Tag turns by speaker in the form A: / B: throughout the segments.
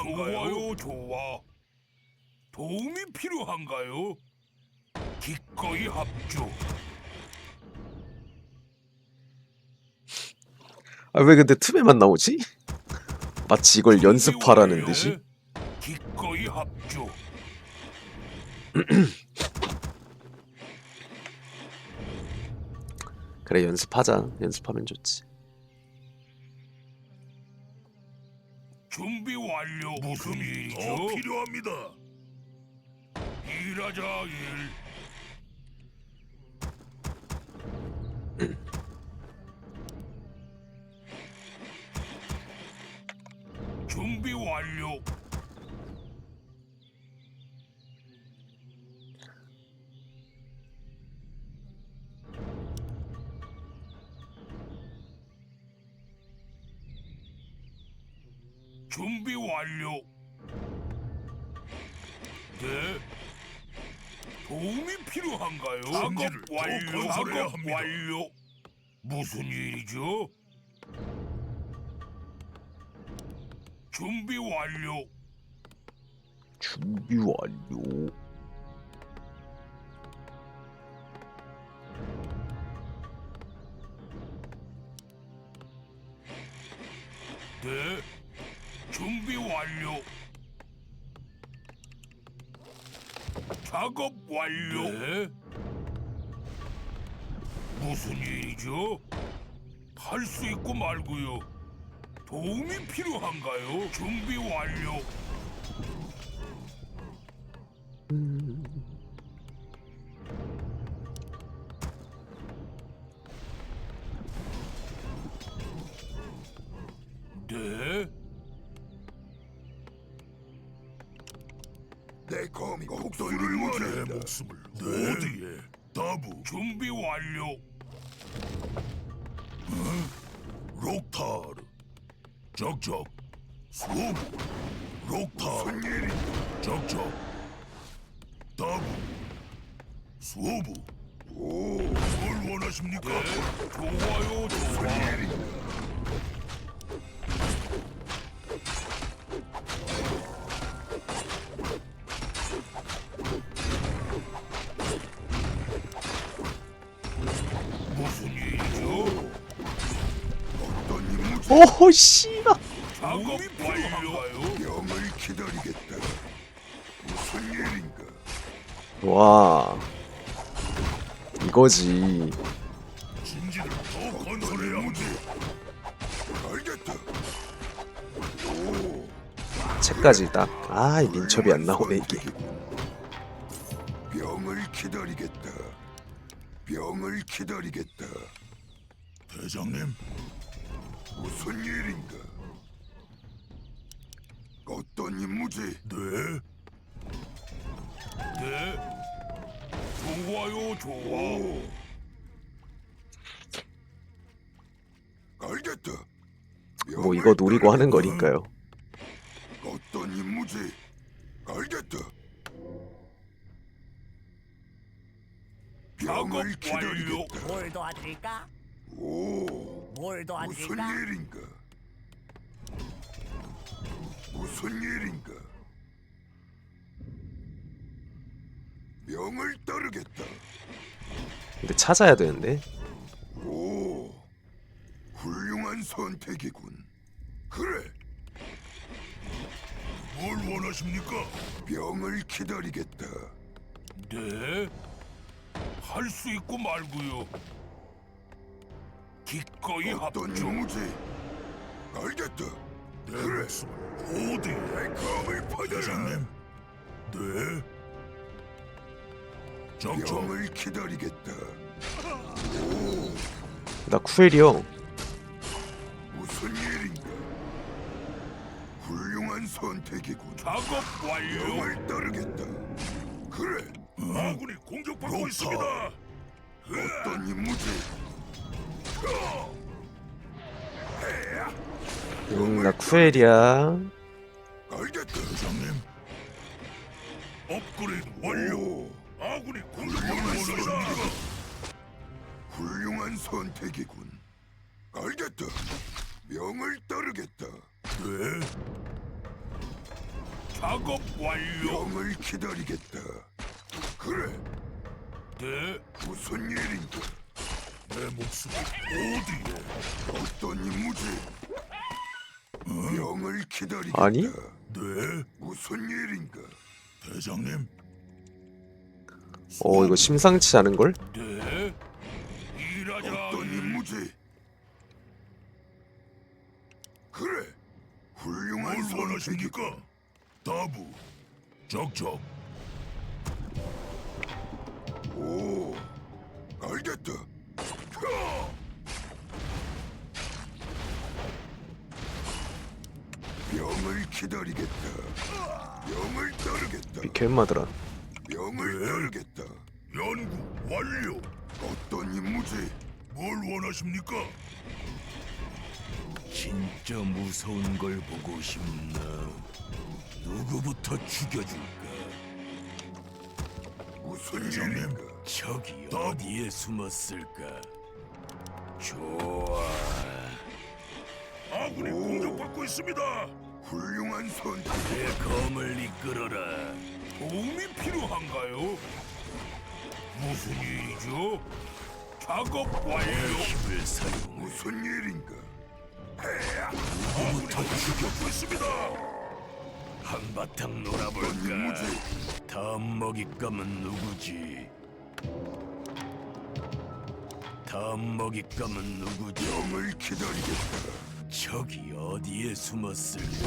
A: 필요한가요? 좋아. 도움이 필요한가요? 기꺼이 합주.
B: 아, 왜 근데 틈에만 나오지? 마치 이걸 연습하라는 듯이.
A: 기꺼이 합주.
B: 그래, 연습하자. 연습하면 좋지.
A: 준비 완료. 무슨 일이죠? 더 필요합니다. 일하자 일. 준비 완료. 준비 완료. 네. 도움이 필요한가요? 작업 완료. 작업 완료. 무슨 일이죠? 준비 완료.
B: 준비 완료.
A: 네. 준비 완료. 작업 완료. 네. 무슨 일이죠? 할 수 있고 말고요. 도움이 필요한가요? 준비 완료. 네.
C: 내 검이 곡소리를 원해.
A: 목숨을 어디에? 다부. 준비 완료. 록타르. 적적. 수호부. 록타르.
C: 무슨 일이?
A: 적적. 다부. 수호부.
C: 오,
A: 뭘 원하십니까? 좋아요, 좋아.
C: 일이?
A: 무슨 일이죠?
C: 어떤 임무지?
B: 오호, 씨발.
A: 작업 완료한가요?
C: 병을 기다리겠다. 무슨 일인가?
B: 와. 이거지.
A: 진지를 더 건설해야
C: 임무지? 알겠다. 오,
B: 책까지 딱. 아, 이 민첩이 안 나오네, 이게.
C: 병을 기다리겠다. 병을 기다리겠다.
A: 대장님,
C: 무슨 일인가? 어떤 임무지?
A: 네. 네. 좋아요, 좋아.
C: 오, 알겠다.
B: 뭐 이거 노리고 하는 거니까요.
C: 어떤 임무지? 알겠다. 병을
A: 작업 완료.
C: 기다리겠다.
D: 뭘 도와드릴까?
C: 오,
D: 뭘
C: 무슨
D: 도와드릴까?
C: 일인가? 무슨 일인가? 명을 따르겠다.
B: 근데 찾아야 되는데.
C: 오, 훌륭한 선택이군. 그래,
A: 뭘 원하십니까?
C: 병을 기다리겠다.
A: 네. 할 수 있고 말고요. 기꺼이
C: 어떤
A: 합주.
C: 임무지? 알겠다. 그래,
A: 어디?
C: 내 검을 받아라.
A: 대장님. 네. 적적.
C: 병을 기다리겠다.
B: 나 쿠엘이요.
C: 무슨 일인가? 훌륭한 선택이군.
A: 작업 완료.
C: 병을 따르겠다. 그래,
A: 아군이 공격받고 있습니다.
C: 어떤 임무지?
B: 나 쿠엘이야.
C: 알겠다.
A: 대장님. 업그레이드 완료.
C: 오,
A: 아군이 공격받고 있습니다.
C: 훌륭한 선택이군. 알겠다. 명을 따르겠다.
A: 네. 작업 완료.
C: 병을 기다리겠다. 그래,
A: 네,
C: 무슨 일인가?
A: 내 목숨이 어디에?
C: 어떤 임무지? 병을 기다리겠다.
B: 아니?
A: 네,
C: 무슨 일인가?
A: 대장님.
B: 이거 심상치 않은 걸?
A: 네, 일하자.
C: 어떤 임무지? 그래, 훌륭한
A: 뭘
C: 선택이군.
A: 원하십니까? 다부, 적적.
C: 오, 알겠다. 병을 기다리겠다. 병을 따르겠다.
B: 개마들아.
C: 병을 따르겠다.
A: 연구 완료.
C: 어떤 임무지?
A: 뭘 원하십니까?
D: 진짜 무서운 걸 보고 싶나? 누구부터 죽여줄까?
C: 무슨
A: 대장님.
C: 일인가?
D: 저기 어디에 숨었을까? 좋아.
A: 아군이 공격받고 있습니다.
C: 훌륭한 선택.
D: 내 검을 이끌어라.
A: 도움이 필요한가요? 무슨 일이죠? 작업
D: 내
A: 완료.
D: 힘을 사용해.
C: 무슨 일인가?
A: 아군이 공격받고 있습니다.
D: 한바탕
C: 어떤
D: 놀아볼까?
C: 임무지?
D: 다음 먹잇감은 누구지? 다음 먹잇감은 누구지?
C: 병을 기다리겠다.
D: 저기 어디에 숨었을까?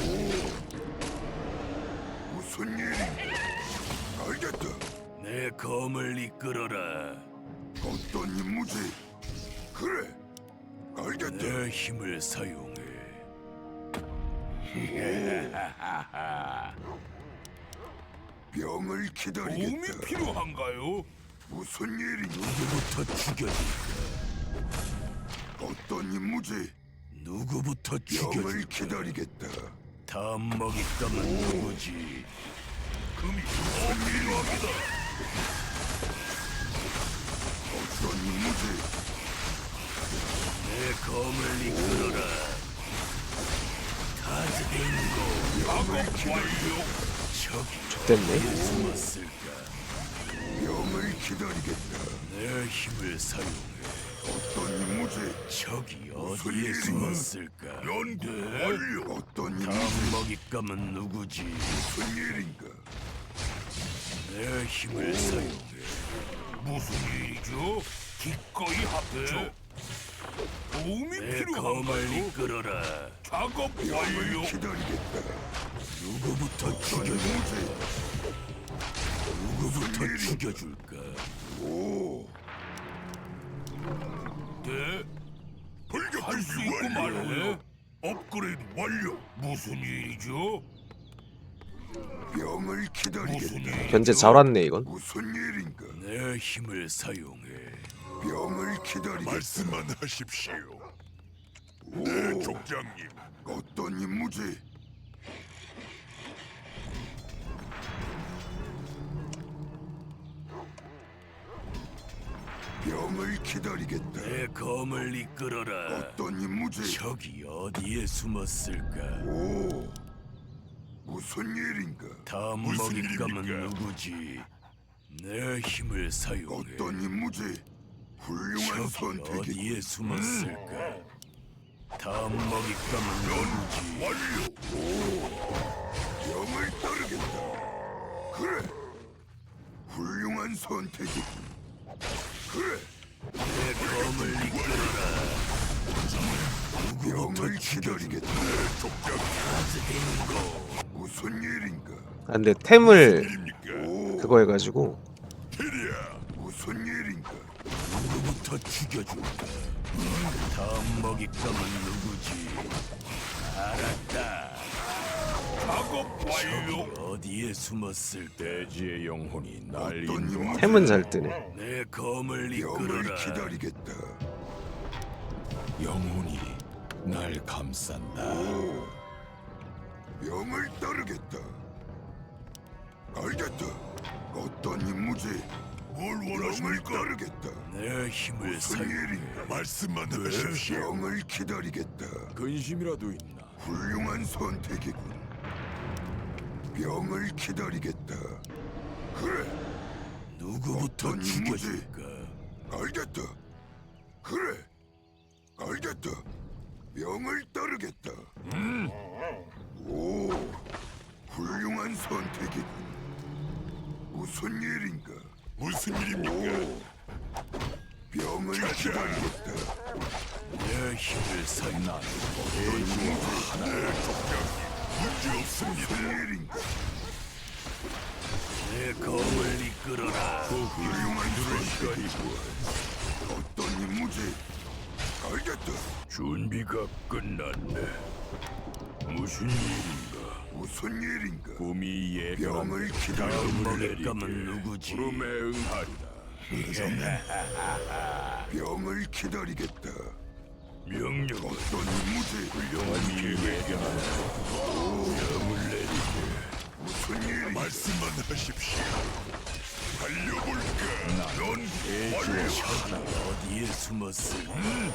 C: 무슨 일인가? 알겠다.
D: 내 검을 이끌어라.
C: 어떤 임무지? 그래, 알겠다.
D: 내 힘을 사용해.
C: 병을
A: 도움이
C: 기다리겠다.
A: 필요한가요?
C: 무슨 일인가?
D: 누구부터 죽여줄까?
C: 어떤 임무지?
D: 누구부터
C: 병을
D: 죽여줄까?
C: 기다리겠다.
D: 다음 먹잇감은 누구지?
A: 금이 더 필요합니다.
C: 어떤 임무지?
D: 내 검을 이끌어라. 다즈빙고.
A: 작업 완료.
D: 저기
B: 됐네.
D: 숨었을까?
C: 병을 기다리겠다.
D: 내 힘을 사용해.
C: 어떤 임무지?
D: 저기 어디에
C: 일이야?
D: 숨었을까?
A: 연구 완료.
C: 어떤
D: 다음
C: 임무지?
D: 먹잇감은 누구지?
C: 무슨 일인가?
D: 내 힘을 사용해.
A: 무슨 일이죠? 기꺼이 합조. 도움이
D: 내 검을
A: 필요한가요?
D: 이끌어라.
A: 작업
C: 병을
A: 완료.
C: 기다리겠다.
D: 누구부터
C: 어떤
D: 죽여줄?
C: 임무지?
D: 누구부터
C: 일인가?
D: 죽여줄까?
C: 오,
A: 네. 할 수 있고 말해. 업그레이드 완료. 무슨 일이죠?
C: 병을 기다리겠다.
A: 무슨 일?
B: 현재 잘 왔네 이건.
C: 무슨 일인가?
D: 내 힘을 사용해.
C: 병을 기다리겠다.
A: 말씀만 하십시오.
C: 오,
A: 족장님.
C: 어떤 임무지? 병을 기다리겠다.
D: 내 검을 이끌어라.
C: 어떤 임무지?
D: 저기 어디에 숨었을까?
C: 오, 무슨 일인가?
D: 다음
A: 무슨
D: 먹잇감은
A: 일입니까?
D: 누구지? 내 힘을 사용해.
C: 어떤 임무지? 훌륭한
D: 저기
C: 선택이.
D: 어디에 숨었을까? 다음 먹잇감은 누구지?
A: 완료.
C: 병을 따르겠다. 그래, 훌륭한 선택이군. 그래,
D: 내 검을 이끌어라.
C: 병을 기다리겠다.
D: 다즈빙고.
C: 무슨 일인가?
B: 아, 근데 템을
A: 일입니까?
C: 오,
B: 그거 해가지고
A: 테리야.
C: 무슨 일인가?
D: 누구부터 죽여줄까? 다음 먹잇감은 누구지? 알았다.
A: 작업 완료.
D: 저기 어디에 숨었을까?
A: 대지의 영혼이 날
C: 어떤 임무지?
B: 템은 잘 뜨네.
D: 내 검을
C: 병을
D: 이끌어라.
C: 기다리겠다.
A: 영혼이 날 감싼다.
C: 오, 병을 따르겠다. 알겠다. 어떤 임무지?
A: 뭘
C: 병을
A: 원하십니까?
C: 따르겠다.
D: 내 힘을
C: 무슨
D: 사용해.
C: 일인가?
A: 말씀만 하십시오.
C: 병을 기다리겠다.
A: 근심이라도 있나?
C: 훌륭한 선택이군. 병을 기다리겠다. 그래,
D: 누구부터
C: 어떤 임무지?
D: 죽여줄까?
C: 알겠다. 그래, 알겠다. 병을 따르겠다. 오, 훌륭한 선택이군. 무슨 일인가?
A: 무슨 일입니까?
C: 병을 기다리겠다.
D: 내 힘을 사용.
A: 문제 없습니다.
C: 무슨 일인가?
D: 내 검을 이끌어라.
C: 훌륭한 선택이군. 어떤 임무지? 알겠다.
D: 준비가 끝났네. 무슨 일인가?
C: 무슨 일인가?
A: 꿈이 예견한
C: 병을 기다려.
D: 먹잇감은 누구지?
A: 부름에 응하리라.
C: 병을 기다리겠다.
D: 명령.
C: 어떤 임무지?
A: 꿈이 예견한
C: 무슨 일인가?
A: 말씀만 하십시오. 달려볼까? 넌 대지와
D: 어디에 숨었을?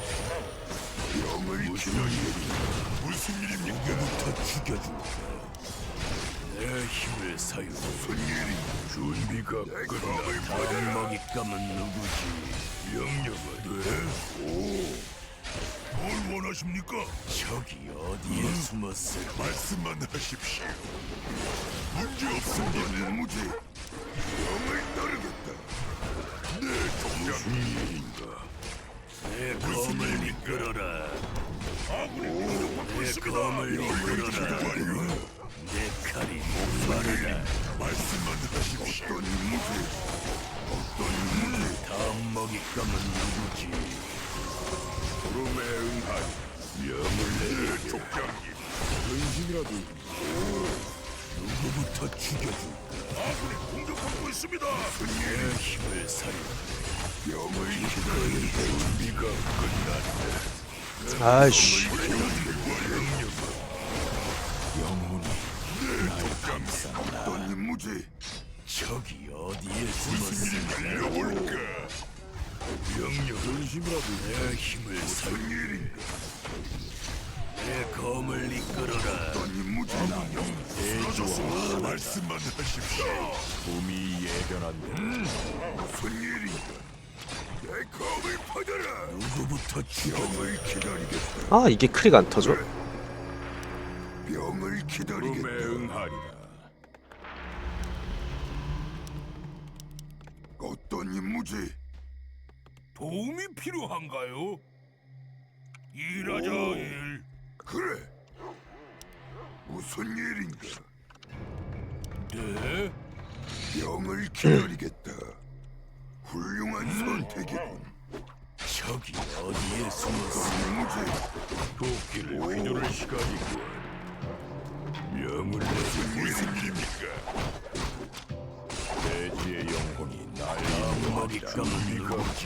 C: 병을 기다리겠다.
A: 무슨 일입니까?
D: 누구부터 죽여줄까? 내 힘을 사용.
C: 무슨 일인가?
D: 준비가 끝났다. 다른 먹잇감은 누구지? 명령을 해?
A: 뭘 원하십니까?
D: 적이 어디에 숨었을?
A: 말씀만 하십시오. 문제
C: 어떤
A: 없습니다.
C: 임무지? 병을 따르겠다.
D: 무슨 일인가? 내 검을 이끌어라. 내 검을 이끌어라. 내 칼이 목마르다.
A: 말씀만 하십시오.
C: 어떤 임무지? 어떤 임무지?
D: 다음 먹잇감은 누구지?
A: 부름에 응하리. 명을 내려 족장님. 근심이라도
D: 누구부터 죽여줄까?
A: 아군이 공격받고 있습니다.
D: 내 힘을 사용.
C: 병을 기다리겠다.
D: 준비가 끝났네.
B: 아이씨.
A: 영혼이 날 감싼다.
C: 어떤 임무지?
D: 적이 어디에 숨었을?
A: 달려볼까?
D: 명령. 근심이라도 내 힘을 사용.
C: 무슨 일인가?
D: 내 검을 이끌어라.
C: 어떤 임무지?
A: 대지와 말씀만 하십시오. 봄이 예견한다.
C: 무슨 일인가? 내 검을 받아라.
D: 누구부터 죽여?
C: 병을 기다리겠다.
B: 아 이게 크리가 안 터져?
C: 병을
A: 부름에
C: 기다리겠다.
A: 응하리라.
C: 어떤 임무지?
D: 도움이 필요한가요? 일하자 일.
C: 그래. 무슨 일인가?
D: 네?
C: 병을 기다리겠다. 훌륭한 선택이군.
D: 적이 어디에 숨었어?
C: 어떤 임무지?
D: 도끼를 휘두를 시간이군. 명을 내리.
A: 무슨 일입니까? 대지의 영혼이 날
D: 다음 먹잇감은 누구지?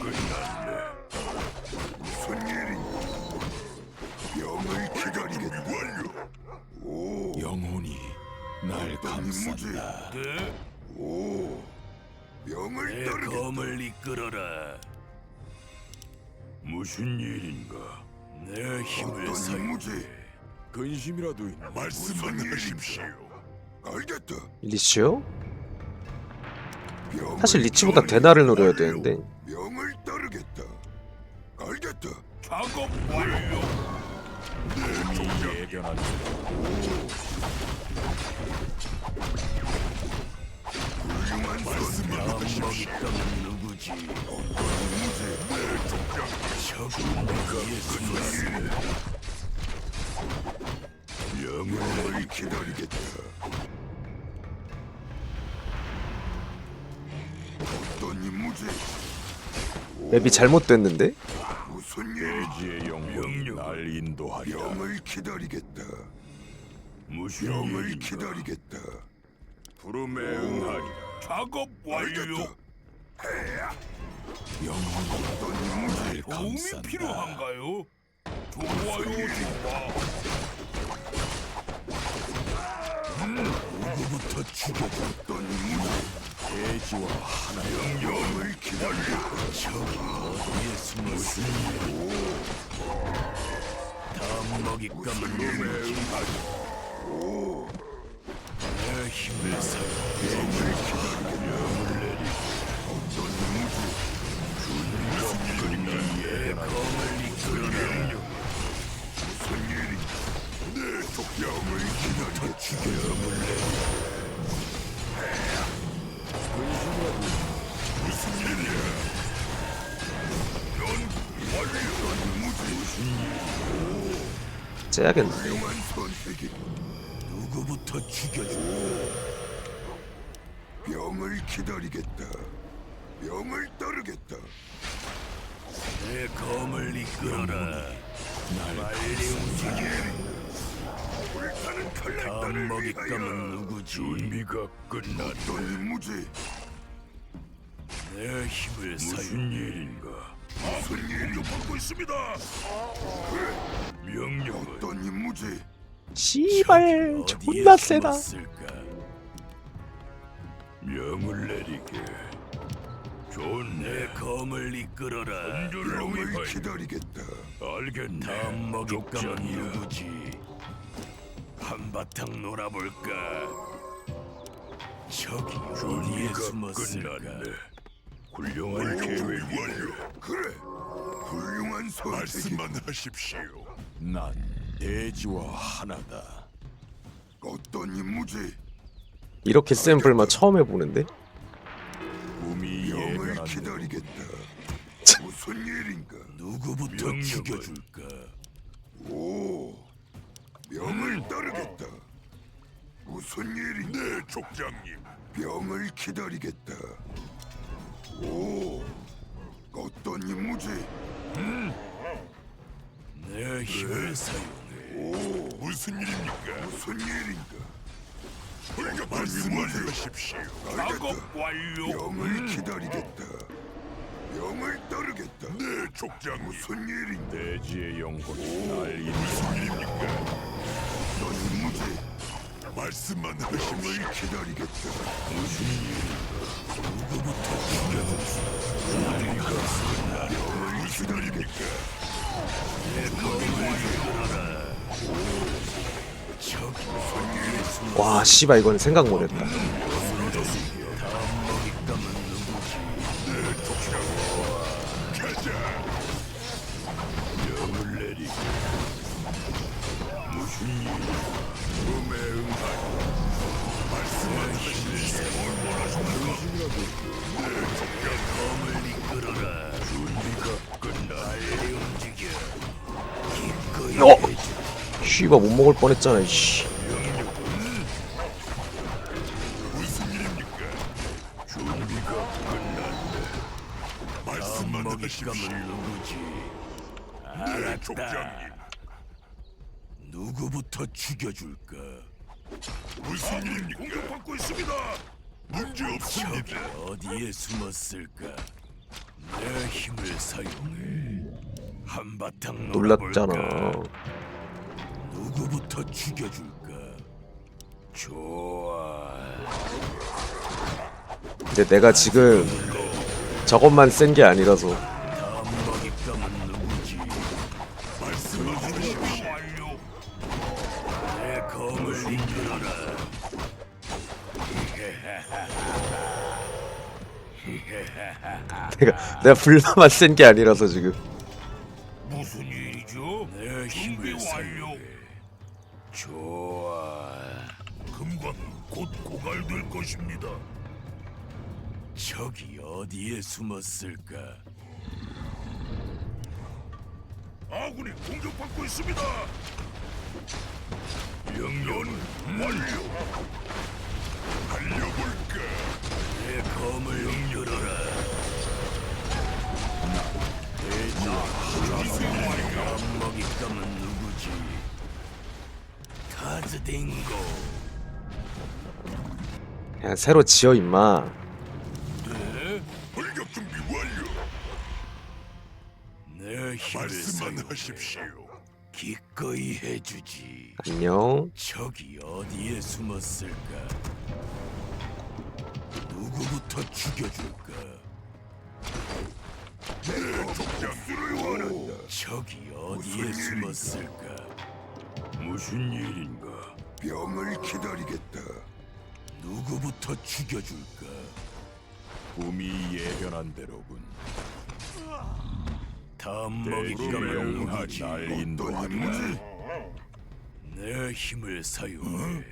C: 무슨 일인가? 병을 기다리겠다. 오,
A: 영혼이 날
C: 어떤 임무지?
A: 감싼다.
D: 네?
C: 오, 병을
D: 내
C: 따르겠다.
D: 검을 이끌어라. 무슨 일인가? 내 힘을
C: 어떤
D: 사용.
C: 임무지?
A: 근심이라도 있나? 말씀만
C: 무슨
A: 하십시오.
C: 알겠다.
B: 리치요?
C: 병을
B: 사실 리치보다 대나를 노려야 되는데
C: 병을 따르겠다. 알겠다.
D: 작업 완료.
A: 봄이 예견한다.
C: 훌륭한 선택.
D: 다음 먹잇감은 누구지? 적이 어디에 숨었어?
C: 병을 기다리겠다. 어떤 임무지?
B: 맵이 잘못됐는데?
C: 무슨 일?
A: 대지의 영혼이 날 인도하리라.
C: 병을 기다리겠다.
D: 무슨
C: 병을
D: 일인가?
C: 기다리겠다.
A: 부름에 응하리라.
D: 작업 완료.
C: 알겠다.
A: 영혼이
C: 어떤 임무지?
A: 날
D: 도움이
A: 감싼다.
D: 필요한가요? 좋아요, 좋아. 누구부터 죽여?
C: 어떤 임무지?
A: 대지와 하나여.
C: 병을 기다리겠다.
D: 적이 어디에 숨었어? 다음 먹잇감은 누구지?
C: 오,
D: 내 힘을 사용.
C: 병을 기다리겠다. 어떤
D: 내 검을 이끌어라.
C: 무슨 일이? 내 족병을 기다리겠다. 무슨 일이야?
B: 째야겠네.
C: 훌륭한 선택이.
D: 누구부터 죽여줘?
C: 병을 기다리겠다. 병을 따르겠다.
D: 내 검을 이끌어라. 빨리 움직여.
C: 불타는
D: 다음
C: 칼날단을
D: 먹잇감은
C: 위하여.
D: 누구지? 준비가 끝났다.
C: 어떤 임무지?
D: 내 힘을 사용.
A: 일인가?
C: 무슨 일이?
D: 받고 있습니다.
A: 명령은
C: 어떤 임무지?
B: 씨발
D: 어디에
B: 존나 세다.
D: 숨었을까?
A: 명을 내리게.
D: 내 검을 이끌어라.
C: 병을 기다리겠다.
A: 알겠네.
D: 다음 먹잇감은
A: 족장이야.
D: 누구지? 한바탕 놀아볼까? 저기 어디에
A: 준비가
D: 숨었을까?
A: 끝났네. 훌륭한 계획이네.
C: 그래. 훌륭한 선택이.
A: 하십시오. 난 대지와 하나다.
C: 어떤 임무지?
B: 이렇게 센 불만 처음 해보는데?
A: 꿈이
C: 병을
A: 예견한다.
C: 기다리겠다. 무슨 일인가?
D: 누구부터
A: 명령을.
D: 죽여줄까?
C: 오. 병을 따르겠다. 무슨 일인가?
A: 네, 족장님.
C: 병을 기다리겠다. 오. 어떤 임무지?
D: 내 힘을 사용해.
C: 오.
A: 무슨 일입니까?
C: 무슨 일인가?
A: 말씀하십시오.
D: 작업 완료.
C: 병을 기다리겠다. 병을 따르겠다.
A: 네, 족장님.
C: 무슨 일인가?
A: 대지의 영혼이 날 인도합니다.
C: 어떤 임무지?
A: 말씀만
C: 병을 기다리겠다. 병을 기다리겠다.
B: 와 씨발 이건 생각 못했다.
A: 명을 내리게. 무슨 일? 꿈에 응하리. 말씀하십시오.
D: 검을 이끌어라.
A: 준비가 끝나.
D: 빨리 움직여. 기꺼이
B: 어!
D: 해줘.
B: 씨발 못 먹을 뻔했잖아. 씨.
A: 무슨 일입니까? 준비가 끝났네. 말씀만
D: 먹잇감은 누구지?
A: 네, 족장님.
D: 누구부터 죽여줄까?
A: 무슨 일입니까? 공격받고 있습니다. 문제
D: 저기
A: 없습니다.
D: 어디에 숨었을까? 내 힘을 사용해. 한바탕
B: 놀랐잖아.
D: 놀아볼까? 누구부터 죽여줄까? 좋아.
B: 근데 내가 지금 저것만 센 게 아니라서
D: 다음 먹잇감은 누구지?
A: 말씀하십시오.
D: 완료. 내 검을 이끌어라.
B: 내가 불만만 센 게 아니라서 지금
D: 무슨 일이죠? 내 힘을 사용해. 좋아.
A: 금광이 곧 고갈될 것입니다.
D: 저기 어디에 숨었을까?
A: 아군이 공격받고 있습니다. 명령은 완료. 달려볼까?
D: 내 검을 이끌어라. 다음 먹잇감은 누구지? 카즈딩고.
B: 그냥 새로 지어 임마.
A: 돌격 준비 완료.
D: 내 힘을 사용해.
A: 하십시오.
D: 기꺼이 해주지.
B: 안녕.
D: 저기 어디에 숨었을까? 누구부터 죽여줄까?
C: 족장수를 원한다.
D: 저기 어디에 숨었을까?
A: 무슨 일인가?
C: 병을 기다리겠다.
D: 누구부터 죽여줄까? 꿈이 예견한 대로군. 다음 먹잇감을
C: 대지명하리.
D: 날
C: 어떤
D: 인도하리라.
C: 임무지?
D: 내 힘을 사용해.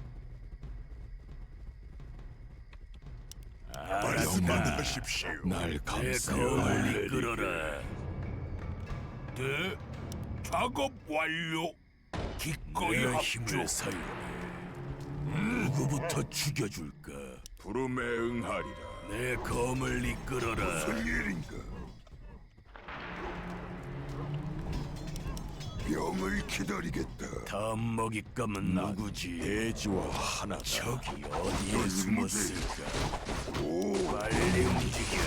A: 말씀만 하십시오.
D: 날
A: 내
D: 감싸.
A: 검을 이끌어라. 네, 작업 완료. 기꺼이
D: 내
A: 합주.
D: 힘을 사용해. 누구부터 죽여줄까?
C: 부름에 응하리라.
D: 내 검을 이끌어라.
C: 무슨 일인가? 병을 기다리겠다.
D: 다음 먹잇감은 누구지? 대지와 하나다. 저기 어디에 숨었을까?
C: 오,
D: 빨리 움직여.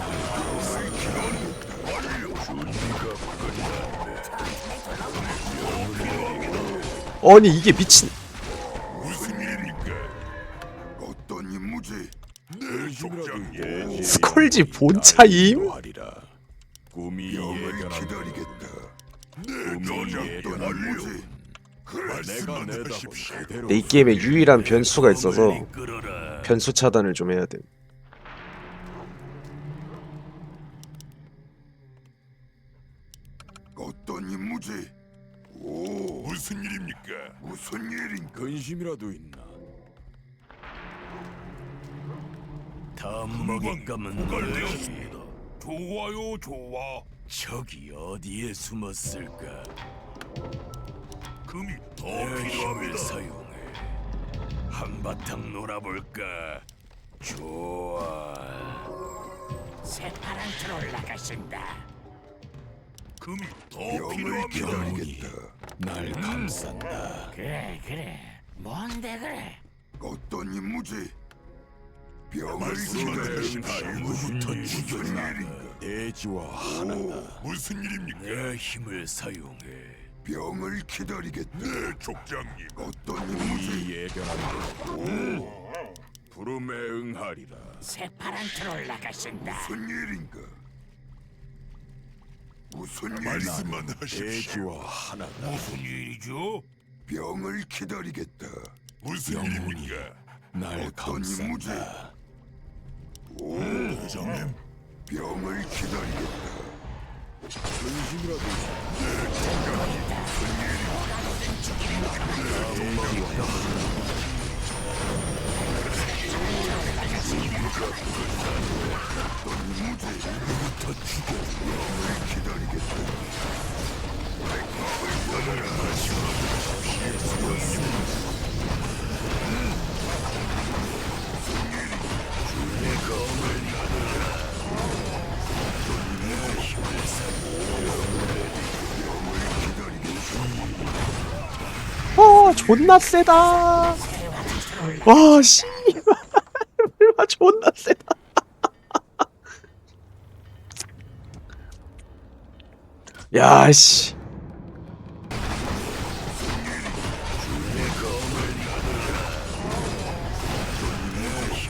B: 아니 이게 미친.
C: 무슨 일입니까? 어떤 임무지?
A: 네, 족장님.
B: 스컬지 본차임?
D: 꿈이
C: 병을
D: 예견한
C: 기다리겠다.
A: 네,
C: 어떤
A: 족장님 완료.
C: 임무지?
D: 내가
A: 말씀만
D: 내다본
A: 하십시오.
D: 그대로
B: 근데 이 게임에 유일한 변수가 있어서
D: 검을 이끌어라.
B: 변수 차단을 좀 해야 돼.
C: 어떤 임무지? 오,
A: 무슨 일입니까?
C: 무슨 일인가?
D: 근심이라도 있나? 다음 먹잇감은 누구지?
A: 고갈되었습니다. 좋아요, 좋아.
D: 저기 어디에 숨었을까?
A: 금이 더
D: 내 힘을
A: 필요합니다.
D: 사용해. 한바탕 놀아볼까? 좋아.
E: 새파란 트롤 나가신다.
A: 금이 더
C: 병을
A: 필요합니다.
C: 기다리겠다.
D: 날 감싼다.
E: 그래. 뭔데 그래?
C: 어떤 임무지? 병을
A: 말씀만
C: 기다리겠다.
A: 하십시오.
D: 누구부터
C: 무슨
D: 죽여나가?
C: 일인가?
D: 대지와 하나다.
A: 무슨 일입니까?
D: 내 힘을 사용해.
C: 병을 기다리겠다.
A: 네, 족장님.
C: 어떤 임무지?
D: 이 예견한
C: 부름에 응하리라.
E: 새파란 트롤 나가신다.
C: 무슨 일인가? 무슨 일인가?
A: 말씀만 하십시오.
D: 대지와 하나다.
A: 무슨 일이죠?
C: 병을 기다리겠다.
A: 무슨
D: 영혼이
A: 일입니까?
D: 날
C: 어떤 임무지?
D: 감싼다.
C: 오,
A: 대장님.
C: 병을 기다리겠다.
B: 존나 세다. 와 씨. 와 존나 세다. 야 씨.